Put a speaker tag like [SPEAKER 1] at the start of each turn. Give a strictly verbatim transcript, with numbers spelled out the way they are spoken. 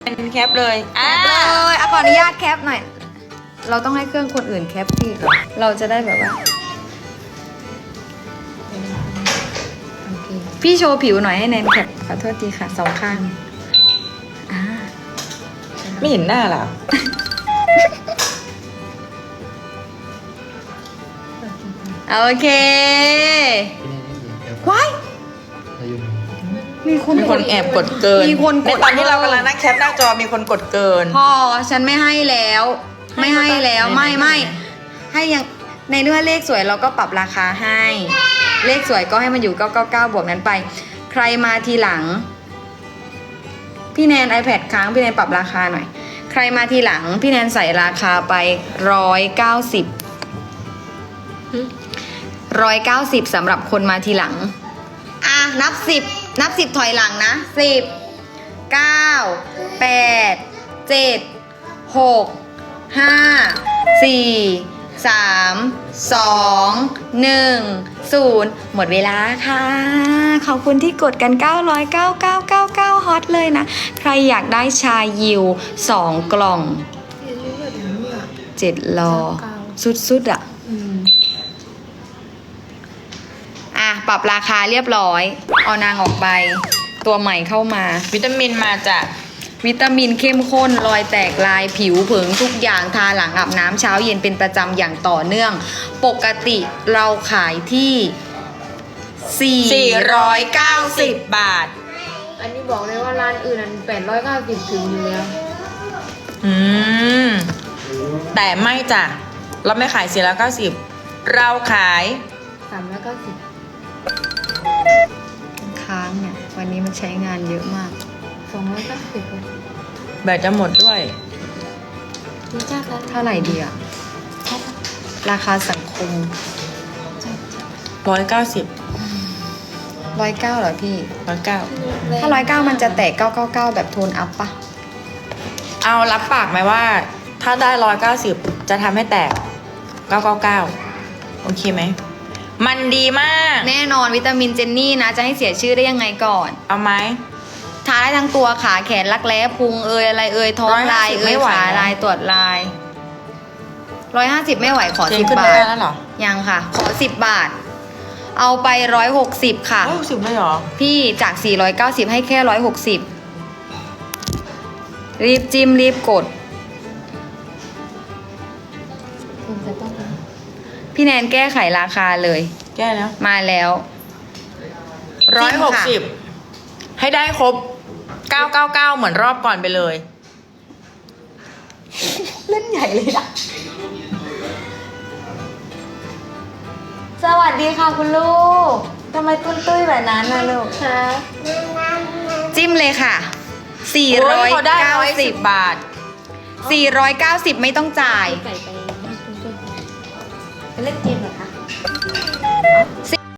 [SPEAKER 1] เป็นแคปเลยอ่า
[SPEAKER 2] แคปเลยอ่ะขออนุญาตแคปหน่อย เราต้องให้เครื่องคนอื่นแคปพี่ก่อนเราจะได้แบบว่าโอเคพี่โชว์ผิวหน่อยให้แนนแคปขอโทษทีค่ะสองข้างอ่า
[SPEAKER 1] ไม่เห็นหน้าหรอ
[SPEAKER 2] โอเคว้ายมีคน
[SPEAKER 1] มีคนแอบกดเกิน
[SPEAKER 2] มีคนก
[SPEAKER 1] ใน
[SPEAKER 2] ด
[SPEAKER 1] ตอนที่เรากำลังนั่งแคปหน้าจอมีคนกดเกิน
[SPEAKER 2] พอฉันไม่ให้แล้ว ไม่ให้แล้วไม่ไม่ให้ยังในเนื้อเลขสวยเราก็ปรับราคาให้ เลขสวยก็ให้มันอยู่เก้าเก้าเก้าบวกนั้นไป ใครมาทีหลัง พี่แนน iPad ค้างพี่แนนปรับราคาหน่อย ใครมาทีหลังพี่แนนใส่ราคาไปร้อยเก้าสิบร้อยเก้าสิบสำหรับคนมาทีหลังอ่ะนับสิบนับสิบถอยหลังนะสิบเก้าแปดเจ็ดหกห้าสี่สามสองหนึ่งศูนย์หมดเวลาค่ะ ขอบคุณที่กดกัน เก้าร้อยเก้าสิบเก้า เก้าสิบเก้า ฮอตเลยนะ ใครอยากได้ชายิวสองกล่องเจ็ดรอสุดๆอ่ะอ่ะ ปรับราคาเรียบร้อย เอานางออกไป ตัวใหม่เข้ามา
[SPEAKER 1] วิตามินมาจาก
[SPEAKER 2] วิตามินเข้มข้นรอยแตกลายผิวเผิงทุกอย่างทาหลังอาบน้ำเช้าเย็นเป็นประจำอย่างต่อเนื่อง ปกติเราขายที่สี่ร้อยเก้าสิบ
[SPEAKER 1] บาท
[SPEAKER 3] อันนี้บอกเลยว่าร้านอื่นนั้นแปดร้อยเก้าสิบถึงอยู่แล้ว
[SPEAKER 1] อืม แต่ไม่จ้ะ เราไม่ขายสี่ร้อยเก้าสิบเราขาย
[SPEAKER 3] สามร้อยเก้าสิบ
[SPEAKER 2] ค้างเนี่ย วันนี้มันใช้งานเยอะมาก
[SPEAKER 3] สองร้อยเก้าสิบ
[SPEAKER 1] แบตจะหมดด้วย
[SPEAKER 3] นี่จ้ากัน
[SPEAKER 2] เท่าไหร่ดีอะราคาสังคม
[SPEAKER 1] ร้อยเก้าสิบ
[SPEAKER 2] ร้อยเก้าเหรอพี่
[SPEAKER 1] ร้อยเก้า
[SPEAKER 2] ถ้าร้อยเก้ามันจะแตกเก้าเก้าเก้าแบบโทนอัพปะ
[SPEAKER 1] เอารับปากไหมว่า ถ้าได้ร้อยเก้าสิบจะทำให้แตกเก้าเก้าเก้าโอเคไหม มันดีมาก
[SPEAKER 2] แน่นอนวิตามินเจนนี่นะ จะให้เสียชื่อได้ยังไงก่อน
[SPEAKER 1] เอาไหม
[SPEAKER 2] ทาได้ทั้งตัวขาแขนรักแร้พุงเอยอะไรเอยท้องลาย
[SPEAKER 1] ร้อยห้าสิบ
[SPEAKER 2] เอ
[SPEAKER 1] ไม่
[SPEAKER 2] ย
[SPEAKER 1] ไหว
[SPEAKER 2] ขา
[SPEAKER 1] นะ
[SPEAKER 2] ลายตรวจลายร้อยห้าสิบไม่ไหวขอ
[SPEAKER 1] เจ
[SPEAKER 2] สิ
[SPEAKER 1] น
[SPEAKER 2] บ
[SPEAKER 1] ขึ้น
[SPEAKER 2] บา
[SPEAKER 1] ไม่
[SPEAKER 2] ท
[SPEAKER 1] ได้แล้วเหรอ
[SPEAKER 2] ยังค่ะ ขอสิบบาท เอาไปร้อยหกสิบค่ะ
[SPEAKER 1] ร้อยหกสิบเลยเหรอ
[SPEAKER 2] พี่จากสี่ร้อยเก้าสิบให้แค่ร้อยหกสิบรีบจิ้มรีบกด
[SPEAKER 3] คุณจะต้อง
[SPEAKER 2] พี่แนนแก้ไขราคาเลย
[SPEAKER 1] แก้แล้ว
[SPEAKER 2] มาแล้ว
[SPEAKER 1] ร้อยหกสิบ
[SPEAKER 2] ค่ะ
[SPEAKER 1] ให้ได้ครบเก้าเก้าเก้าเหมือนรอบก่อนไปเลย
[SPEAKER 2] เล่นใหญ่เลยนะสวัสดีค่ะคุณลูกทำไมตุ้นตุ้ยแบบนั้นนะลูก
[SPEAKER 3] ค่ะ
[SPEAKER 2] จิ้มเลยค่ะ สี่
[SPEAKER 1] โอ้
[SPEAKER 2] ร้อย
[SPEAKER 1] ยเขาได้
[SPEAKER 2] เก้า
[SPEAKER 1] ร้อย
[SPEAKER 2] สิ
[SPEAKER 1] สิ
[SPEAKER 2] บ
[SPEAKER 1] บบาท
[SPEAKER 2] สี่ร้อยเก้าสิบไม่ต้องจ่าย
[SPEAKER 3] ไก่ไปให้คุณช่วยไปเล่นเกมเหรอคะ